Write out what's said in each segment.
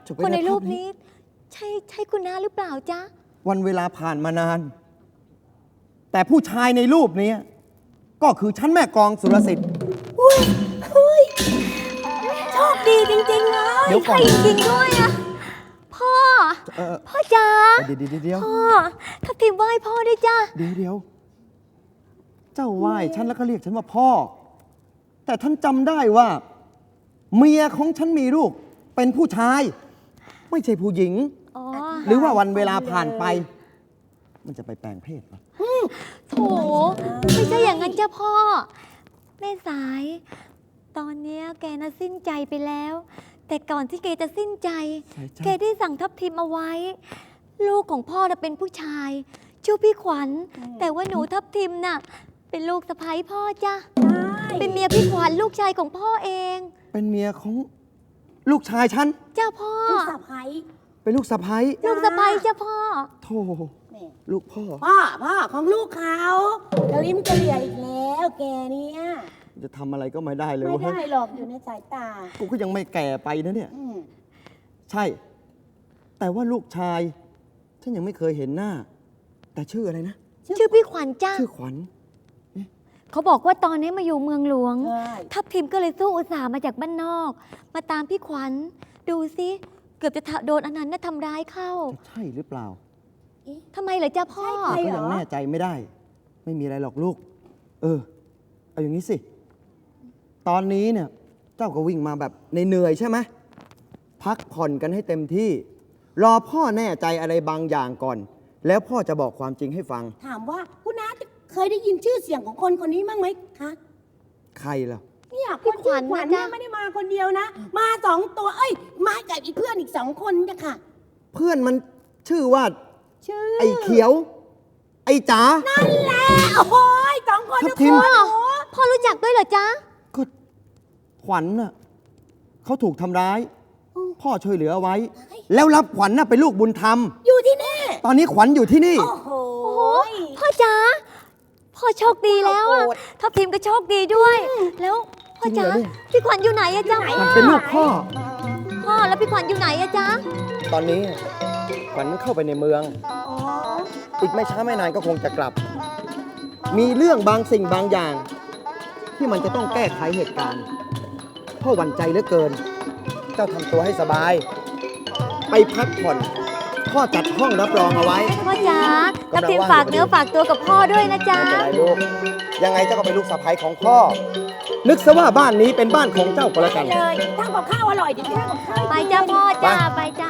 คนในรูปนี้ใช่คุณน้าหรือเปล่าจ๊ะวันเวลาผ่านมานานแต่ผู้ชายในรูปนี้ก็คือฉันแม่กลองสุรสิทธิ์อุ้ยโชคดีจริงๆเลยเดี๋ยวก่อนจริงๆด้วยอะพ่อจ๋าเดี๋ยวพ่อทับทิมไหว้พ่อด้วยจ้ะเดี๋ยวเจ้าไหว้ฉันแล้วก็เรียกฉันว่าพ่อแต่ท่านจำได้ว่าเมียของฉันมีลูกเป็นผู้ชายไม่ใช่ผู้หญิงหรือว่าวันเวลาผ่านไปมันจะไปแปลงเพศปะโถไม่ใช่อย่างนั้นจ้ะพ่อแม่สายตอนนี้แกน่ะสิ้นใจไปแล้วแต่ก่อนที่แกจะสิ้นใจแกได้สั่งทับทิมเอาไว้ลูกของพ่อน่ะเป็นผู้ชายชื่อพี่ขวัญแต่ว่าหนูทับทิมน่ะเป็นลูกสะใภ้พ่อจ้ะเป็นเมียพี่ขวัญลูกชายของพ่อเองเป็นเมียของลูกชายฉันจ้าพ่อลูกสะใภ้เป็นลูกสะใภ้ลูกสะใภ้จ้าพ่อโธ่ลูกพ่อของลูกเขาจะลิ้มจะเหลี่ยอีกแล้วแกเนี่ยจะทำอะไรก็ไม่ได้เลยไม่ได้หรอกอยู่ในสายตากูก็ยังไม่แก่ไปนะเนี่ยใช่แต่ว่าลูกชายฉันยังไม่เคยเห็นหน้าแต่ชื่ออะไรนะชื่อพี่ขวัญจ้าชื่อขวัญเขาบอกว่าตอนนี้มาอยู่เมืองหลวงทัพทิมก็เลยสู้อุตส่าห์มาจากบ้านนอกมาตามพี่ขวัญดูสิเกือบจะโดนอนันต์น่ะทำร้ายเข้าใช่หรือเปล่าทำไมเหรอจ้าพ่อก็ยังแน่ใจไม่ได้ไม่มีอะไรหรอกลูกเอาอย่างนี้สิตอนนี้เนี่ยเจ้าก็วิ่งมาแบบเหนื่อยใช่ไหมพักผ่อนกันให้เต็มที่รอพ่อแน่ใจอะไรบางอย่างก่อนแล้วพ่อจะบอกความจริงให้ฟังถามว่าคุณน้าเคยได้ยินชื่อเสียงของคนคนนี้บ้างไหมคะใครล่ะเนี่ยพี่ขวัญเนี่ยไม่ได้มาคนเดียวนะมา2 ตัวมากับอีกเพื่อนอีก2 คนจ้ะค่ะเพื่อนมันชื่อว่าไอ้เขียวไอ้จ๋านั่นแหละโอ้ย2 คนทุกคนพ่อรู้จักด้วยเหรอจ๊ะก็ขวัญน่ะเขาถูกทำร้ายพ่อช่วยเหลือเอาไว้แล้วรับขวัญน่ะเป็นลูกบุญธรรมอยู่ที่นี่ตอนนี้ขวัญอยู่ที่นี่โอ้โหพ่อจ๋าพ่อโชคดีแล้วทัพทิมก็โชคดีด้วยแล้วพ่อจ๋าพี่ขวัญอยู่ไหนอะจ๊ะมันเป็นลูกพ่อแล้วพี่ขวัญอยู่ไหนอะจ๊ะตอนนี้ขวัญเข้าไปในเมืองอีกไม่ช้าไม่นานก็คงจะกลับมีเรื่องบางสิ่งบางอย่างที่มันจะต้องแก้ไขเหตุการณ์พ่อหวั่นใจเหลือเกินเจ้าทำตัวให้สบายไปพักผ่อนพ่อจัดห้องรับรองเอาไว้พ่อจ๋าทัพทิมฝากเนื้อฝากตัวกับพ่อด้วยนะจ๊ะจะได้ลูกยังไงเจ้าก็เป็นลูกสะใภ้ของพ่อนึกซะว่าบ้านนี้เป็นบ้านของเจ้าก็แล้วกันเลยทำกับข้าวอร่อยดีทำกับข้าวไปจ้าพ่อจ้าไปจ้า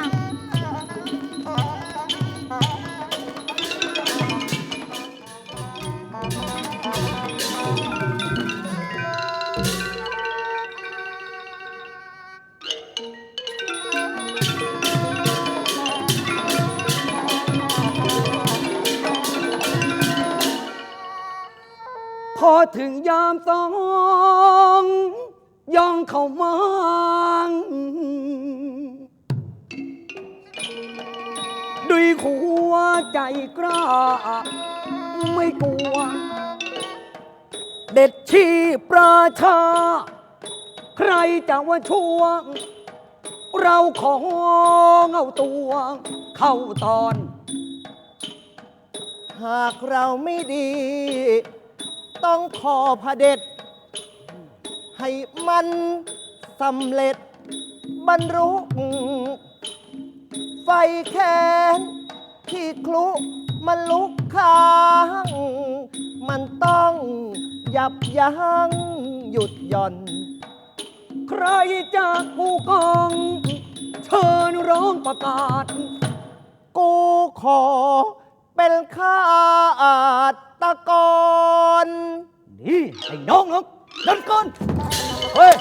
พอถึงยามต้องย่องเข้ามาด้วยหัวใจกล้าไม่กลัวเด็ดชีพประชาใครจะว่าช่วงเราของเอาตัวเข้าตอนหากเราไม่ดีต้องขอพระเด็จให้มันสำเร็จบรรลุไฟแค้นที่คลุมันลุกค้างมันต้องยับยั้งหยุดหย่อนใครจากผู้กองเชิญร้องประกาศกูขอเป็นข้าตะกอนนี่ไอ้น้องเดินก่อนเฮ้ย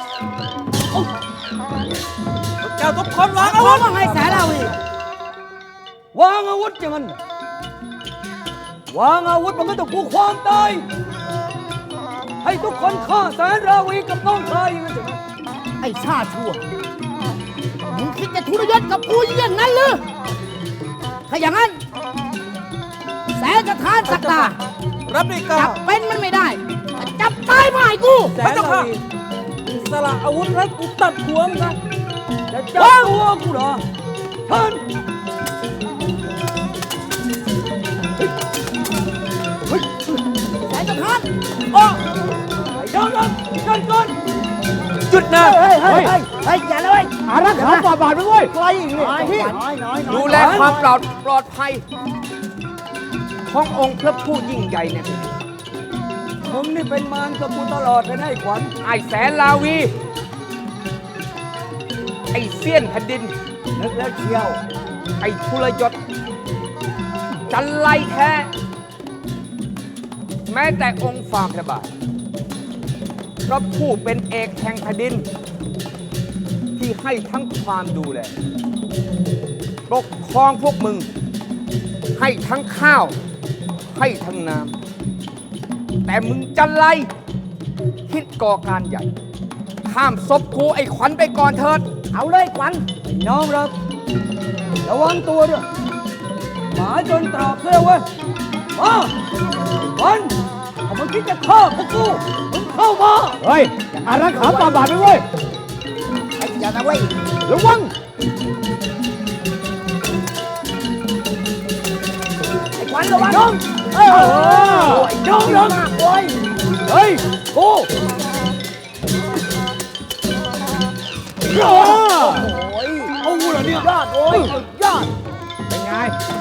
เจ้าทุกคนวางอาวุธว่าไงแสนเอาอีกวางอาวุธอย่างนั้นวางอาวุธมันก็ต้องกูความตายให้ทุกคนฆ่าแสนราวีกับน้องชายอย่างนั้นไอ้ชาชั่วมึงคิดจะทุรยศกับกูอย่างนั้นหรือถ้าอย่างนั้นแสนจะทานสักตารับดีก้าจับเป็นมันไม่ได้จับตายมาให้กูไม่ต้องฆ่าสละอาวุธแล้วกูตัดหัวมึงนะจะจับหัวกูเหรอหาฝ่าบาทไปเว้ยใครอีกเนี่ยน้อยดูแลความปลอดภัยขององค์พระผู้ยิ่งใหญ่เนี่ยมึงนี่เป็นมารกับกูตลอดเลยนะไอ้ขวัญไอ้แสนลาวี ไอ้เสี้ยนแผ่นดินนึกแล้วเชียวไอ้ทุรยศ จันไรแท้ แม้แต่องค์ฝ่าพระบาทพระผู้เป็นเอกแห่งแผ่นดิน ที่ให้ทั้งความดูแลปกครองพวกมึง ให้ทั้งข้าว ให้ทั้งน้ำแต่มึงจันไรคิดก่อการใหญ่ ข้ามศพกูไอ้ขวัญไปก่อนเถิดเอาเลยขวัญไอ้น้องรักระวังตัวด้วยหมาจนตรอกเสื้อเว้ยมาขวัญถ้ามึงคิดจะฆ่าพวกกูมึงเข้ามาเฮ้ยอย่าอารักขาฝ่าบาทไปเว้ยอย่านะเว้ยระวังไอ้ขวัญระวังน้องไอ้น้องรักโอ้ยเฮ้ยกูเอากูเหรอเนี่ยยอดโอ้ยยอดเป็นไง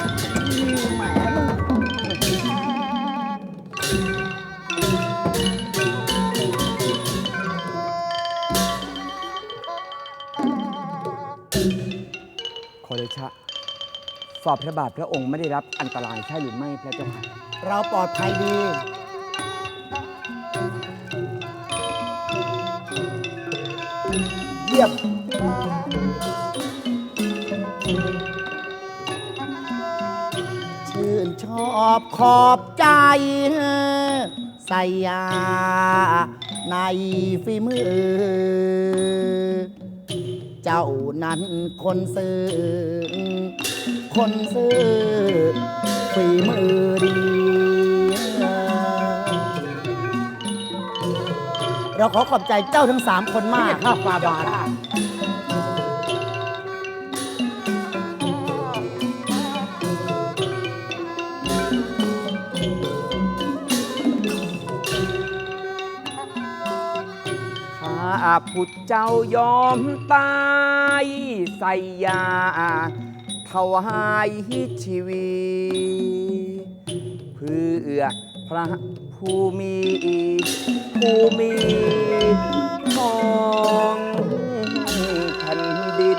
ขอเดชะฝ่าพระบาทพระองค์ไม่ได้รับอันตรายใช่หรือไม่พระเจ้าค่ะเราปลอดภัยดีเยี่ยมชื่นชอบขอบใจใส่ยาในฝีมือ เจ้านั้นคนซื้อ คนซื้อฝีมือดี เราขอขอบใจเจ้าทั้ง 3 คนมากข้าฝ่าบาทข้าพุทธเจ้ายอมตายใส่ยาถวายชีวิตเพื่อพระผู้มีของแผ่นดิน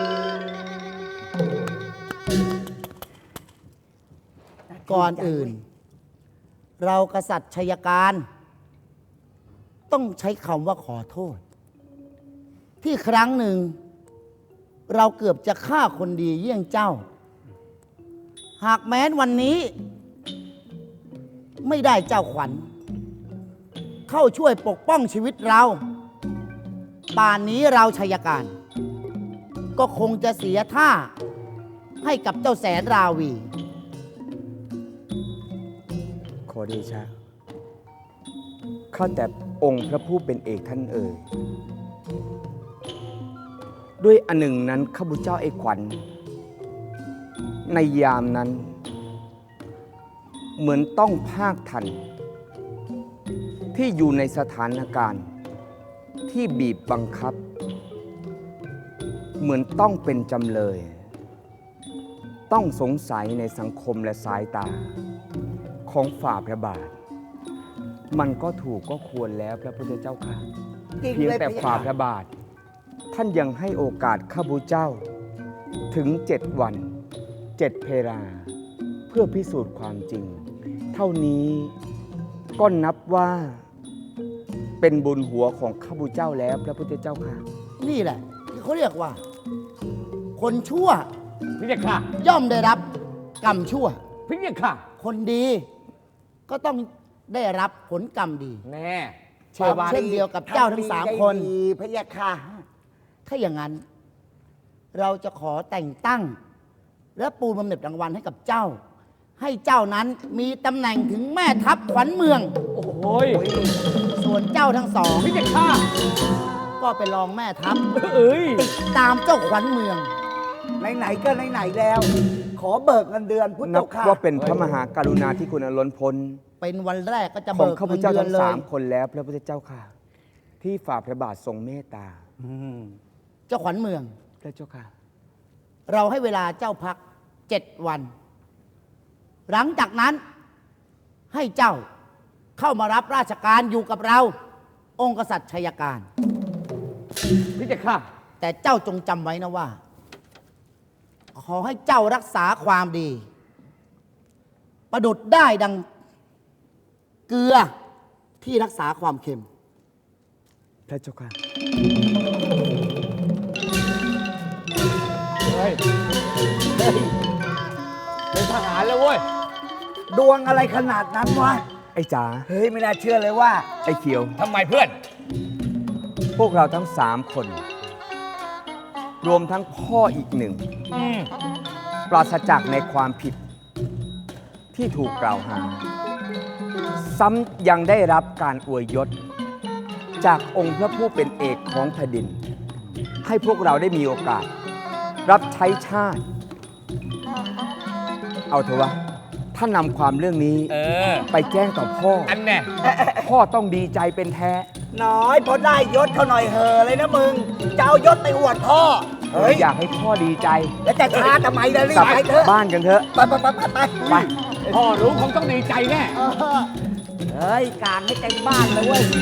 ก่อนอื่น เรากษัตริย์ชัยการ ต้องใช้คำว่าขอโทษ ที่ครั้งหนึ่ง เราเกือบจะฆ่าคนดีเยี่ยงเจ้า หากแม้นวันนี้ ไม่ได้เจ้าขวัญ เข้าช่วยปกป้องชีวิตเรา ป่านนี้เราชัยการ ก็คงจะเสียท่า ให้กับเจ้าแสนราวีขอเดชะข้าแต่องค์พระผู้เป็นเอกท่านเอ่ยด้วยอันหนึ่งนั้นข้าพเจ้าไอ้ขวัญในยามนั้น เหมือนต้องภาคทัน ที่อยู่ในสถานการณ์ที่บีบบังคับ เหมือนต้องเป็นจำเลย ต้องสงสัยในสังคมและสายตาของฝ่าพระบาท มันก็ถูกก็ควรแล้วพระพุทธเจ้าค่ะ เพียงแต่ฝ่าพระบาท ท่านยังให้โอกาสข้าพเจ้า ถึง 7 วัน 7 เพลาเพื่อพิสูจน์ความจริง เท่านี้ก็นับว่าเป็นบุญหัวของข้าพเจ้าแล้วพระพุทธเจ้าค่ะนี่แหละ ที่เขาเรียกว่า คนชั่วพี่เนี่ยค่ะย่อมได้รับกรรมชั่วพี่เนี่ยค่ะคนดีก็ต้องได้รับผลกรรมดีแน่เช่นเดียวกับเจ้าทั้ง 3 คนพระยาค่ะถ้าอย่างนั้น เราจะขอแต่งตั้ง และปูบำเหน็จรางวัลให้กับเจ้า ให้เจ้านั้นมีตำแหน่งถึงแม่ทัพขวัญเมืองโอ้โหยส่วนเจ้าทั้ง 2 พี่เนี่ยค่ะก็ไปรองแม่ทัพเอ้ยติดตามเจ้าขวัญเมืองไหนๆก็ไหนๆแล้ว ขอเบิกเงินเดือนพุทธนับเจ้าค่ะว่าเป็นพระมหากรุณาธิคุณอันล้นพ้นเป็นวันแรกก็จะของเบิกข้าพเงินเจ้าเดือนทั้งเลสาย มคนแล้วพระพุทธเจ้าค่ะ ที่ฝ่าพระบาททรงเมตตาเจ้าขวัญเมืองพระเจ้าค่ะเราให้เวลาเจ้าพัก7 วัน หลังจากนั้นให้เจ้าเข้ามารับราชการอยู่กับเรา องค์กษัตริย์ชัยการพี่จะฆ่าแต่เจ้าจงจำไว้นะว่า ขอให้เจ้ารักษาความดี ประดุดได้ดังเกลือที่รักษาความเค็มพระเจ้าค่ะเฮ้ย เป็นทหารแล้วเว้ยดวงอะไรขนาดนั้นวะไอ้จ๋าเฮ้ย ไม่น่าเชื่อเลยว่าไอ้เขียวทำไมเพื่อนพวกเราทั้ง3 คน รวมทั้งพ่ออีกหนึ่ง ปราศจากในความผิดที่ถูกกล่าวหา ซ้ำยังได้รับการอวยยศ จากองค์พระผู้เป็นเอกของแผ่นดิน ให้พวกเราได้มีโอกาส รับใช้ชาติ เอาเถอะวะ ถ้านำความเรื่องนี้ ไปแจ้งต่อพ่ออันแน่พ่อต้องดีใจเป็นแท้น้อยพอได้ยศเขาหน่อยเหอะเลยนะมึง จะเอายศไปอวดพ่อ เฮ้ยอยากให้พ่อดีใจแล้วจะช้าทำไมล่ะรีกลับบ ไปเถอะบ้านกันเถอะไปไปไปไปไปพ่อรู้คงต้องดีใจแน่เฮ้ย การให้เต็มบ้านเลยเว้ย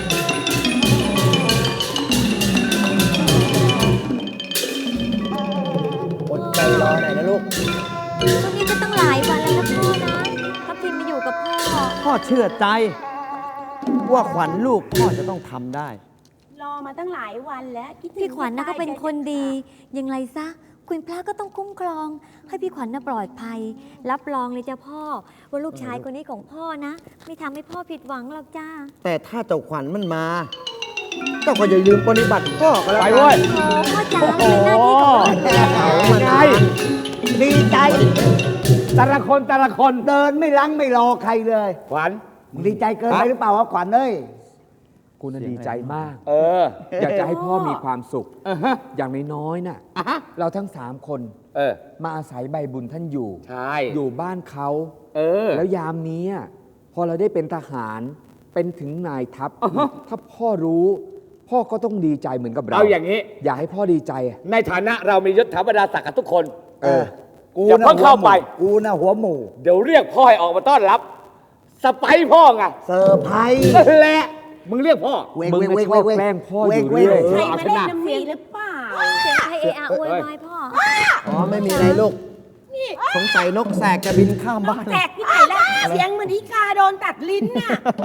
อดใจรอหน่อยนะลูกช่วงนี้ก็ตั้งหลายวันแล้วนะพ่อนะทัพทิมมาอยู่กับพ่อพ่อเชื่อใจ ว่าขวัญลูกพ่อจะต้องทำได้รอมาตั้งหลายวันแล้วคิดถึงพี่ขวัญนะก็เป็นคนดีใจอย่างไรซะ คุณพระก็ต้องคุ้มครอง ให้พี่ขวัญน่ะปลอดภัย รับรองเลยจ้าพ่อ ว่าลูกชายคนนี้ของพ่อนะ ไม่ทำให้พ่อผิดหวังหรอกจ้าแต่ถ้าเจ้าขวัญมันมาเจ้าก็อย่าลืมปฏิบัติพ่อก็แล้วไปกันเว้ยโอ้พ่อจ๋าเป็นหน้าที่ของเราอยู่แล้วเอามันไงดีใจแต่ละคนแต่ละคนเดินไม่ลังไม่รอใครเลยขวัญมึงดีใจเกินไปหรือเปล่าวะขวัญเอ้ยกูน่ะดีใจมากเอออยากจะให้พ่อมีความสุข อย่างน้อยๆน่ะ เราทั้ง3 คนเออมาอาศัยใบบุญท่านอยู่ใช่อยู่บ้านเขาเออแล้วยามนี้อะพอเราได้เป็นทหาร เป็นถึงนายทัพ ถ้าพ่อรู้ พ่อก็ต้องดีใจเหมือนกับเราเอาอย่างนี้อยากให้พ่อดีใจอะในฐานะเรามียศถาบรรดาศักดิ์กันทุกคนเออกูอย่านะเพิ่งเข้าไปกูนะหัวหมูเดี๋ยวเรียกพ่อให้ออกมาต้อนรับ สไปร์พ่อไงเซอร์ไพรส์นั่นแหละมึงเรียกพ่อมึงน่ะชอบแกล้งพ่ออยู่เรื่อยใครเอามาชเล่นนะน้ำมีหรือเปล่าเสียงใครเอะอะโวยวายพ่ออ๋อไม่มีอะไรลูก สงสัยนกแสกจะบินข้ามบ้านแตกที่ไหนล่ะ เสียงเหมือนอีกาโดนตัดลิ้นน่ะ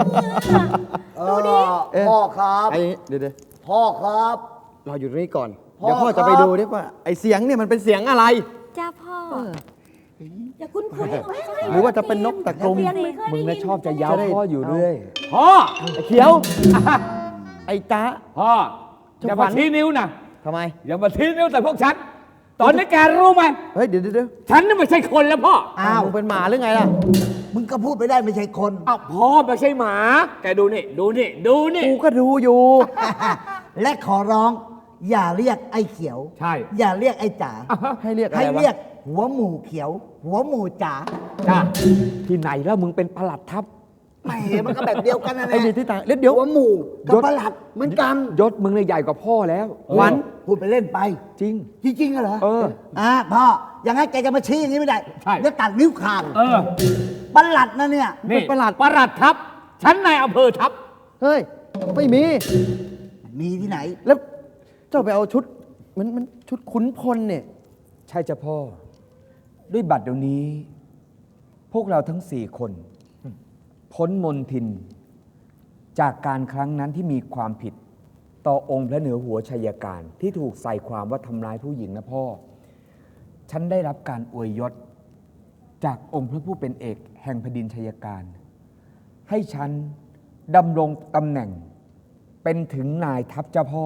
พ่อครับไอ้เดี๋ยวพ่อครับเราอยู่ตรงนี้ก่อนพ่อเดี๋ยวพ่อครัจะบไปดูดิว่าไอ้เสียงเนี่ยมันเป็นเสียงอะไรจ้าพ่ออย่าคุ้นๆไม่ใช่หรือว่าจะเป็นนกตะกรุมเสียงเหมือนเคยมึได้งยิน่ะชอบจะเย้าพ่ออยู่เรื่อยพ่อไอ้เขียว ไอ้จ๊ะพ่อ อย่ามาชี้นิ้วนะทำไมอย่ามาชี้นิ้วแต่พวกฉัน ตอนนี้แกรู้ไหมเฮ้ยเดี๋ยวฉันนี่ไม่ใช่คนแล้วพ่ออ้าวมึงเป็นหมาหรือไงล่ะมึงก็พูดไปได้ไม่ใช่คนอ้าวพ่อไม่ใช่หมา แกดูนี่ ดูนี่ ดูนี่กูก็ดูอยู่และขอร้อง อย่าเรียกไอ้เขียวใช่อย่าเรียกไอ้จ๋าให้เรียกอะไรให้วะเรียกหัวหมูเขียว หัวหมูจ๋าจ้าที่ไหนแล้วมึงเป็นปลัดทัพแหมมันก็แบบเดียวกันนะไอ้นี่ที่ต่างเดี๋ยวหัวหมูกับประหลัดเหมือนกันยศมึงเนี่ยใหญ่กว่าพ่อแล้วขวัญพูดไปเล่นไปจริงจริงๆเหรอเออพ่ออย่างนั้นแกจะมาชี้อย่างนี้ไม่ได้ใช่แล้วตัดนิ้วขาดเออประหลัดนะเนี่ยนี่ประหลัดประหลัดทัพ ฉันนายอำเภอทัพเฮ้ย ไม่มีมีที่ไหนแล้วเจ้าไปเอาชุดมันชุดขุนพลเนี่ยใช่จ้ะพ่อ ด้วยบัตรเดี๋ยวนี้ พวกเราทั้ง4 คน พ้นมนทิน จากการครั้งนั้นที่มีความผิด ต่อองค์พระเหนือหัวชัยการที่ถูกใส่ความว่าทำร้ายผู้หญิงนะพ่อ ฉันได้รับการอวยยศ จากองค์พระผู้เป็นเอกแห่งแผ่นดินชัยการ ให้ฉันดำรงตำแหน่ง เป็นถึงนายทัพเจ้าพ่อ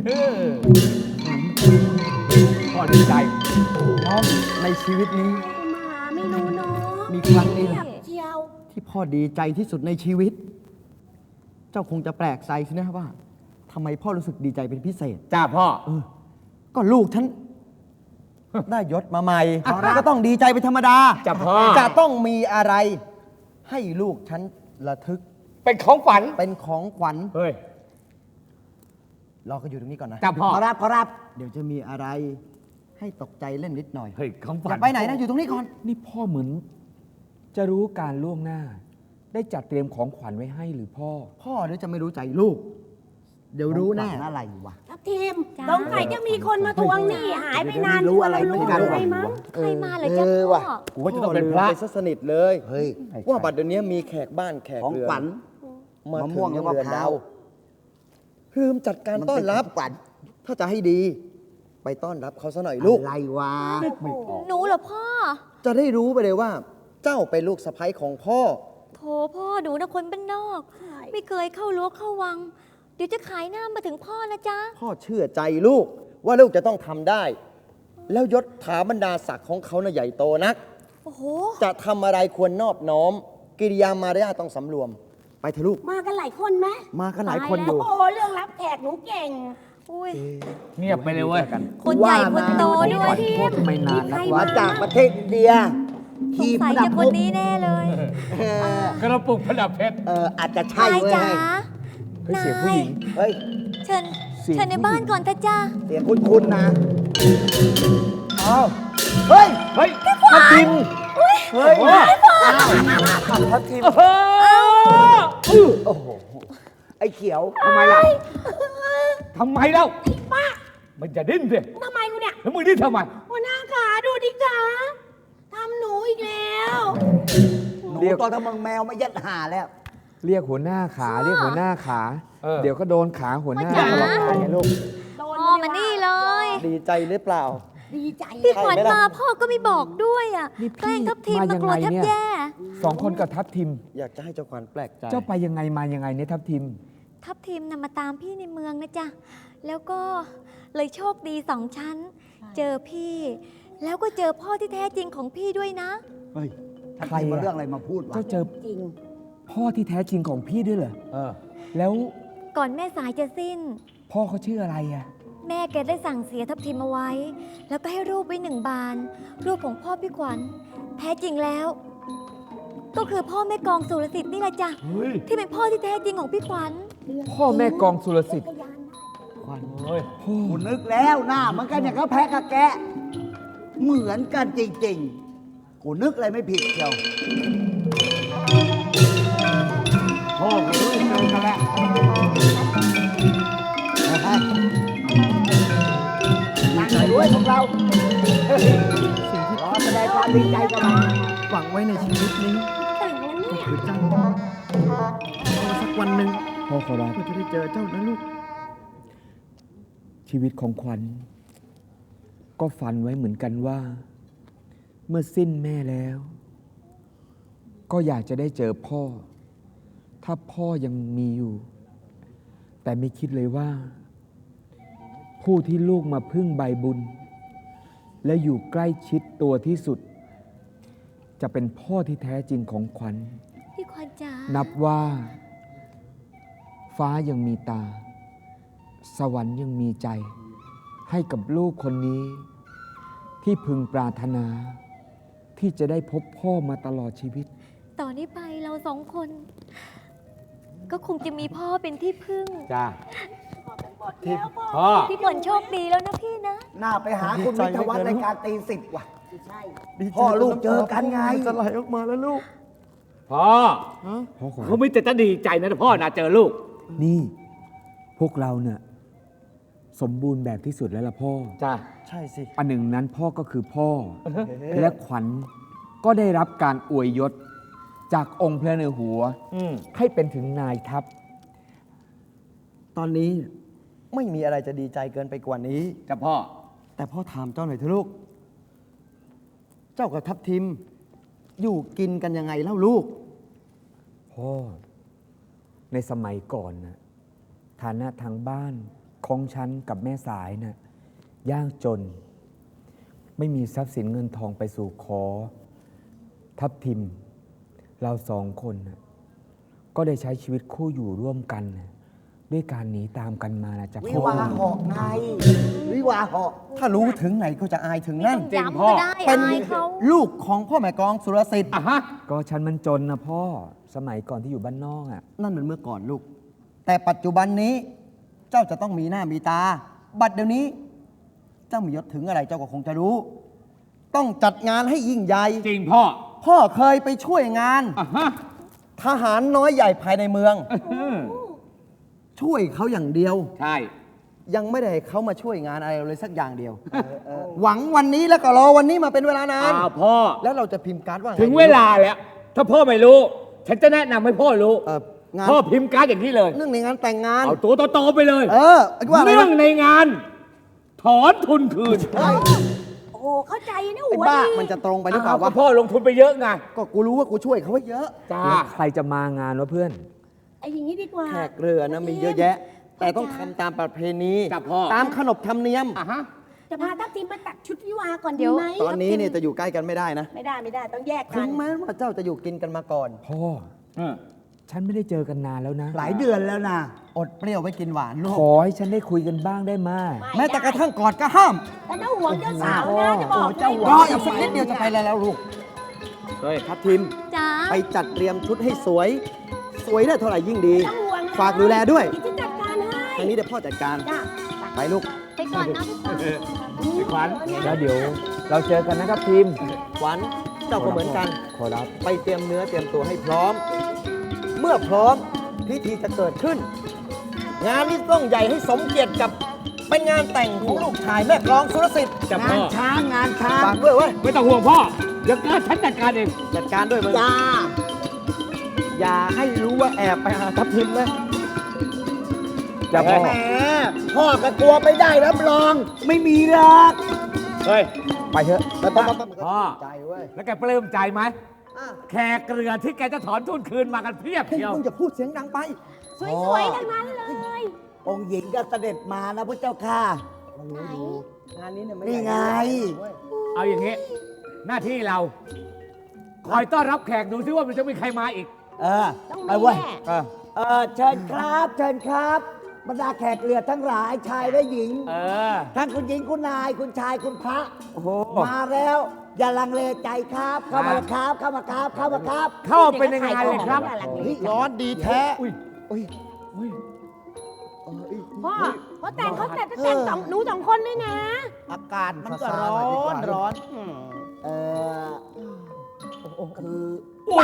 พ่อดีใจน้องในชีวิตนี้หมาไม่รู้เนาะมีครั้งนี้แหละเจียวที่พ่อดีใจที่สุดในชีวิต เจ้าคงจะแปลกใจสินะว่าทำไมพ่อรู้สึกดีใจเป็นพิเศษจ้าพ่อก็ลูกฉัน ได้ยศมาใหม่ก็ต้องดีใจเป็นธรรมดาจ้ะพ่อจะต้องมีอะไร ให้ลูกฉันระทึกเป็นของฝันเป็นของขวัญเฮ้ยรอก็อยู่ตรงนี้ก่อนนะจ้าพ่อขอรับเดี๋ยวจะมีอะไรให้ตกใจเล่นนิดหน่อยเฮ้ยคำอฝันย่าไปไหนนะอยู่ตรงนี้ก่อนนี่พ่อเหมือนจะรู้การล่วงหน้า ได้จัดเตรียมของขวัญไว้ให้หรือพ่อพ่อเดี๋ยวจะไม่รู้ใจลูก เดี๋ยวรู้แน่ของขวัญอะไรวะทับทีมจ้าสงสัยจะมีคนมาทวงหนี้หายไปนานไม่รู้อะไรรู้เหมือนกันอะไรมั้งใครมาเหรอจ๊ะว่ะพ่อกูว่าจะต้องเป็นพระไปซะสนิทเลยเฮ้ยว่าบัดเดี๋ยวนี้มีแขกบ้านแขกของเรือนขวัญมามะม่ถึวงงกับเรือนมะพร้าดาว วลืมจัดการต้อนรับขวัญถ้าจะให้ดี ไปต้อนรับเขาซะหน่อยลูกอะไรวะหนูเหรอพ่อจะได้รู้ไปเลยว่า เจ้าเป็นลูกสะใภ้ของพ่อโถพ่อหนูนะคนบ้านนอก ไม่เคยเข้ารั้วเข้าวัง เดี๋ยวจะขายหน้ามาถึงพ่อนะจ๊ะพ่อเชื่อใจลูก ว่าลูกจะต้องทำได้ แล้วยศถาบรรดาศักดิ์ของเขาน่ะใหญ่โตนักโอ้โหจะทำอะไรควรนอบน้อม กิริยามารยาทต้องสำรวม ไปเถอะลูกมากันหลายคนไหมมากันหลายคนอยู่โอ้โหเรื่องรับแขกหนูเก่งอุ้ยเงียบไปเลยเว้ยคนใหญ่คนโตด้วยโทษไม่นานนักมาว่าจากประเทศอินเดียสทีงมสัยระดัจะบคมุนกนี้แน่เลยกระปุกประดับเพชรอาจจะใช่นายเว้ยจ๋าเฮ้ยเสียงผู้หญิงเฮ้ยเชิญเสียงเชิญในบ้านก่อนเถอะจ้าเสียงคุ้นๆนะอ้าวเฮ้ยเฮ้ยทับทิม เฮ้ยทัพทีม โอ้โห ไอ้เขียวทำไมล่ะทำไมเล่ามันจะดิ้นสิทำไมกูเนี่ยแล้วมึงดิ้นทำไมหัวหน้าขาดูดิขาทำหนูอีกแล้วหนูตัวทำมังแมวมายัดหาแล้วเรียกหัวหน้าขาเรียกหัวหน้าขาเออเดี๋ยวก็โดนขาหัวหน้าจ๋าหรอกลูกโดนพ่อมานี่เลยดีใจหรือเปล่าดีใจพี่ขวัญใช่ไหมล่ะมาพ่อก็ไม่บอกด้วยอ่ะนี่แกล้พี่งทับทิมมามายังกลัวไงแทบเนี่ยแย่สองคนกับทัพทิมอยากจะให้เจ้าขวัญแปลกใจเจ้าไปยังไงมายังไงเนี่ยทัพทิมทับทิมนำมาตามพี่ในเมืองนะจ๊ะ แล้วก็เลยโชคดีสองชั้น เจอพี่ แล้วก็เจอพ่อที่แท้จริงของพี่ด้วยนะเฮ้ยทัพใครทีมอะมาเรื่องอะไรมาพูดวะเจ้าเจอจริงพ่อที่แท้จริงของพี่ด้วยเหรอเออแล้วก่อนแม่สายจะสิ้นพ่อเขาชื่ออะไรอ่ะแม่แกได้สั่งเสียทับทิมเอาไว้ แล้วก็ให้รูปไว้1 บาน รูปของพ่อพี่ขวัญ แท้จริงแล้ว ก็คือพ่อแม่กองสุรสิทธิ์นี่แหละจ้ะเฮ้ยที่เป็นพ่อที่แท้จริงของพี่ขวัญพ่อแม่กองสุรสิทธิ์เฮ้ยกูนึกแล้วหน้ามันกันอย่างก็แพ้กับแกะ เหมือนกันจริงๆ กูนึกอะไรไม่ผิดเชียวพ่อกับลูกเจอกันแล้วตั้งใจด้วยพวกเรารอแสดงความดีใจกันหน่อยหวังไว้ในชีวิตนี้แต่งแล้วเนี่ยคือเจ้าสักวันหนึ่งพ่อขอรับก็จะได้เจอเจ้านะลูกชีวิตของขวัญ ก็ฝันไว้เหมือนกันว่า เมื่อสิ้นแม่แล้ว ก็อยากจะได้เจอพ่อ ถ้าพ่อยังมีอยู่ แต่ไม่คิดเลยว่า ผู้ที่ลูกมาพึ่งใบบุญ และอยู่ใกล้ชิดตัวที่สุด จะเป็นพ่อที่แท้จริงของขวัญพี่ขวัญจ๋านับว่า ฟ้ายังมีตา สวรรค์ยังมีใจ ให้กับลูกคนนี้ ที่พึงปรารถนา ที่จะได้พบพ่อมาตลอดชีวิตต่อนนี้ไปเรา2 คน ก็คงจะมีพ่อเป็นที่พึ่งจ้าแล้วพ่อพ่อพี่ขวัญโชคดีแล้วนะพี่นะหน้าไปหาคุณวิทยาวัฒน์ในการตีสิทธิ์ว่ะใช่พ่อลูกเจอกันไงจะไหลออกมาแล้วลูกพ่อพ่อขอเขาไม่แต่จะดีใจนะพ่อนะเจอลูกนี่ พวกเราเนี่ยสมบูรณ์แบบที่สุดแล้วล่ะพ่อจ้าใช่สิอันหนึ่งนั้นพ่อก็คือพ่อ และขวัญก็ได้รับการอวยยศ จากองค์พระเนหัวอืมให้เป็นถึงนายทัพตอนนี้ไม่มีอะไรจะดีใจเกินไปกว่านี้จ้าพ่อแต่พ่อถามเจ้าหน่อยเถอะลูก เจ้ากับทัพทิม อยู่กินกันยังไงเล่าลูกพ่อ ในสมัยก่อนนะฐานะทางบ้านของฉันกับแม่สายนะ่ะยากจน ไม่มีทรัพย์สินเงินทองไปสู่ขอ ทัพทิม เรา2 คนนะก็ได้ใช้ชีวิตคู่อยู่ร่วมกันนะด้วยการหนีตามกันมานะจ๊ะวิพ่อวาเหาะไง วิวาเหาะถ้ารู้ถึงไหนก็จะอายถึงนั่นย้ำก็ได้เป็นอายเขาลูกของพ่อแม่กองสุรสิทธิ์อ่ะฮะก็ฉันมันจนนะพ่อ สมัยก่อนที่อยู่บ้านนอกอ่ะนั่นมันเมื่อก่อนลูก แต่ปัจจุบันนี้ เจ้าจะต้องมีหน้ามีตา บัดเดี๋ยวนี้เจ้ามียศถึงอะไรเจ้าก็คงจะรู้ ต้องจัดงานให้ยิ่งใหญ่จริงพ่อพ่อเคยไปช่วยงานอ่ะฮะทหารน้อยใหญ่ภายในเมือง ช่วยเขาอย่างเดียวใช่ยังไม่ได้ให้เขามาช่วยงานอะไรเลยสักอย่างเดียว หวังวันนี้แล้วก็รอวันนี้มาเป็นเวลานานพ่อแล้วเราจะพิมพ์การ์ดว่าไถึงเวลาแล้ว ถ้าพ่อไม่รู้ ฉันจะแนะนำให้พ่อรู้งานพ่อพิมพ์การ์ดอย่างนี้เลยเรื่องในงานแต่งงานเอาตัวโตๆไปเลยไอ้ว่าอะไรเรื่องวะในงาน ถอนทุนคืนโอ้เข้าใจนะไอ้หัวบ้าดีมันจะตรงไปหรือเปล่าก็วะพ่อลงทุนไปเยอะไงก็กูรู้ว่ากูช่วยเขาไว้เยอะจ้าแล้วใครจะมางานวะเพื่อนไอ้อย่างนี้ดีกว่าแขกเรือนะมีเยอะแยะ แต่ต้องทำตามประเพณีจ้ะพ่อตามขนบธรรมเนียมอ่ะฮะจะพาทัพทีมมาตัดชุดวิวาก่อนเดี๋ดียวไหมตอนนี้เนี่ยจะอยู่ใกล้กันไม่ได้นะไม่ได้ต้องแยกกัถึนงแม้ว่าเจ้าจะอยู่กินกันมาก่อนพ่อ ฉันไม่ได้เจอกันนานแล้วนะหลายเดือนแล้วนะอดเปรี้ยวไว้กินหวานลูกขอให้ฉันได้คุยกันบ้างได้ไหมแม้แต่กระทั่งกอดก็ห้ามแต่ถ้าห่วงเจ้าสาวนะจะบอกเจ้าหัวรออีกสักนิดเดียวจะไปแล้วลูกเฮ้ยครับทีมจ้าไปจัดเตรียมชุดให้สวย สวยได้เท่าไหร่ยิ่งดีต้องห่วงนะฝากดูแลด้วยเดี๋ยวจะจัดการให้ทางนี้เดี๋ยวพ่อจัดการจ้าไปลูกไปก่อนนะไปก่อนขวัญแล้วเดี๋ยว เราเจอกันนะครับทีมขวัญเจ้าก็เหมือนกันขอรับไปเตรียมเนื้อเตรียมตัวให้พร้อม เมื่อพร้อมพิธีจะเกิดขึ้น งานนี้ต้องใหญ่ให้สมเกียรติกับเป็นงานแต่งของลูกชายแม่กลองสุรสิทธิ์จับงาพ่นอช้างงานช้างฝากด้วยเว้ยไม่ต้องห่วงพ่อ เดี๋ยวฉันจัดการเองจัดการด้วยมึงจ้าอย่าให้รู้ว่าแอบไปหาทัพทิมนะจับพ่อแหมพ่อก็กลัวไม่ได้รับรอง ไม่มีหรอกเฮ้ยไปเถอะไปพ่อใจเว้ยแล้วแกปลื้มใจไหมอ่ะแขกเรือที่แกจะถอนทุนคืนมากันเพียบเฮ้ยเชียวมึงจะพูดเสียงดังไปสวยๆทั้งนั้นเลยองค์หญิงก็เสด็จมานะพระเจ้าค่ะไหนงานนี้เนี่ยไม่นี่ไงเว้ยเอาอย่างนี้ หน้าที่เรา คอยต้อนรับแขกดูซิว่ามันจะมีใครมาอีกเออต้องไปมีเว้ยแน่เชิญครับเชิญครับบรรดาแขกเรือทั้งหลายชายและหญิงเออทั้งคุณหญิงคุณนายคุณชายคุณพระโอ้โหมาแล้ว อย่าลังเลใจครับ เข้ามาครับ เข้ามาครับ เข้ามาครับเข้าไปในงานเลยครับร้อนดีแท้อุ้ยอุ้ยอุ้ยพ่อเขาแต่งเขาแต่งสองหนูสองคนด้วยนะอากาศมันก็ร้อนร้อนเออคืออุ้ย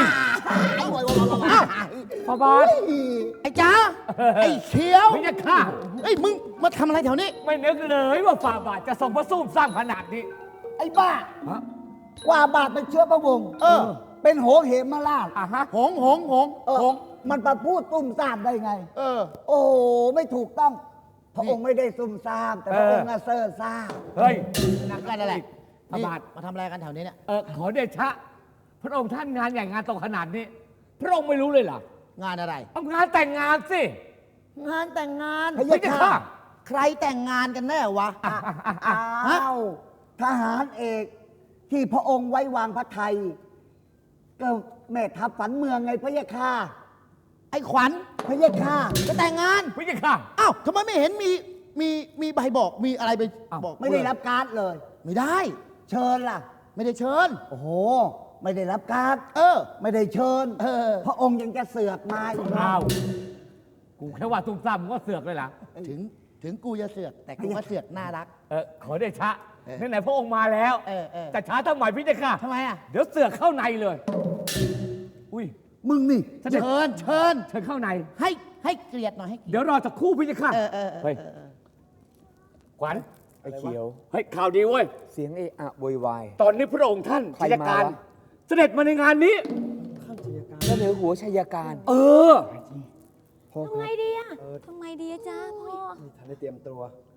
พ่อบอสไอ้จ้าไอ้เขียวไม่จะฆ่าไอ้ยมึงมาทำอะไรแถวนี้ไม่นึกเลยว่าฝ่าบาทจะส่งพระสู้สร้างขนาดนี้ไอ้บ้าฮะกว่าบาทเป็นเชื้อพระวงศ์เป็นโหงเหมมาราชอ่ะฮะหงมันมาพูดตุ้มซ่ามได้ไง โอ้ไม่ถูกต้อง พระองค์ไม่ได้ซุ่มซ่าม แต่พระองค์น่ะเซ่อซ่ามเฮ้ยนั่นก็นั่นแหละพระบาทมาทำอะไรกันแถวนี้เนี่ยขอเดชะ พระองค์ท่านงานใหญ่งานโตขนาดนี้ พระองค์ไม่รู้เลยเหรองานอะไรเอางานแต่งงานสิงานแต่งงานพระยาค่ะใครแต่งงานกันแน่วะอ้าวทหารเอกที่พระองค์ไว้วางพระไทย ก็แม่ทัพฝันเมืองไงพระยาค่ะไอ้ขวัญพระยาค่ะจะแต่งงานพระยาค่ะอ้าวทำไมไม่เห็นมีใบบอกมีอะไรไปอ้าวบอกไม่ได้รับการ์ดเลยไม่ได้เชิญล่ะไม่ได้เชิญโอ้โห ไม่ได้รับการ์ดเออไม่ได้เชิญเออพระองค์ยังจะเสือกมาอีกอ้าวกูแค่ว่าตุ้มซ้ำมึงก็เสือกเลยล่ะถึงกูจะเสือก แต่กูก็เสือกน่ารักขอเดชะไหนๆพระองค์มาแล้วเออจะช้าทำไมพี่เจ้าค่ะทำไมอ่ะเดี๋ยวเสือกเข้าในเลย อุ้ยมึงนี่เสด็จเชิญเชิญเข้าในให้เกลียดหน่อยให้เกลียดเดี๋ยวรอสักครู่พี่เจ้าค่ะเออเฮ้ย ขวัญไอ้เขียวเฮ้ยข่าวดีเว้ยเสียงเอะอะโวยวายตอนนี้พระองค์ท่านใครชัยการมาวะเสด็จมาในงานนี้เสนอหัวชัยการเออพ่อทำไงดีอะทำไมดีอะจ้าพ่อทันได้เตรียมตัว